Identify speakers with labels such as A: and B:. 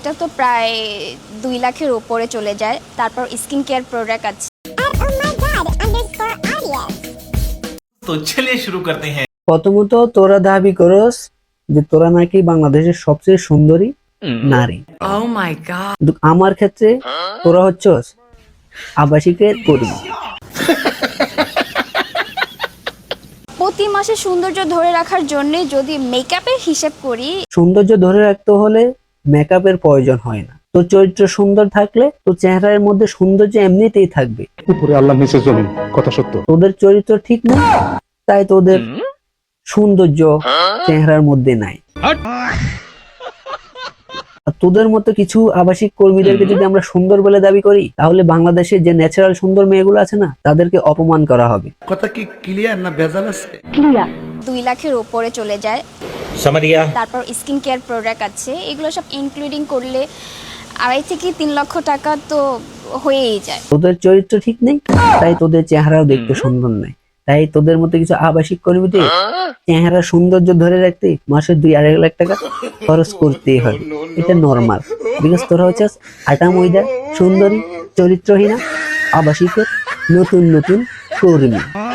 A: এটা তো প্রায় 2 লাখের উপরে চলে যায়। তারপর স্কিন কেয়ার প্রোডাক্ট আছে।
B: तो चलिए शुरू करते हैं।
C: প্রথমত তোরা দাবি করস যে তোরা নাকি বাংলাদেশের সবচেয়ে সুন্দরী নারী।
D: Oh my god.
C: কিন্তু আমার ক্ষেত্রে তোরা হচ্ছস আবাসিকের কর্মী।
A: প্রতি মাসে সৌন্দর্য ধরে রাখার জন্য যদি মেকআপের হিসেব করি,
C: সৌন্দর্য ধরে রাখতে হলে মেকআপের প্রয়োজন হয় না। তোর চরিত্র সুন্দর থাকলে তোর চেহারার মধ্যে সৌন্দর্য এমনিতেই থাকবে।
E: উপরে আল্লাহ নিচে জমিন, কথা সত্য।
C: তোদের চরিত্র ঠিক না, তাই তোদের সৌন্দর্য চেহারার মধ্যে নাই। আর তোদের মতো কিছু আবাসিক কর্মীদেরকে যদি আমরা সুন্দর বলে দাবি করি, তাহলে বাংলাদেশের যে ন্যাচারাল সুন্দর মেয়েগুলো আছে না, তাদেরকে অপমান করা হবে।
F: কথা কি ক্লিয়ার না ভেজাল আছে?
A: 2 লাখের উপরে চলে যায়। তারপর স্কিন কেয়ার প্রোডাক্ট আছে, এগুলো সব ইনক্লুডিং করলে 2.5 থেকে 3 লক্ষ টাকা তো হয়েই যায়।
C: তোদের চরিত্র ঠিক নেই, তাই তোদের চেহারাও দেখতে সুন্দর নাই। তাই তোদের মতো কিছু আবাসিক কর্মীদের চেহারা সৌন্দর্য ধরে রাখতে মাসে 2-2.5 লাখ টাকা খরচ করতেই হবে। এটা নর্মাল। বিকজ তোরা হচ্ছে আটা ময়দা সুন্দরী চরিত্রহীনা আবাসিকের নতুন নতুন কর্মী।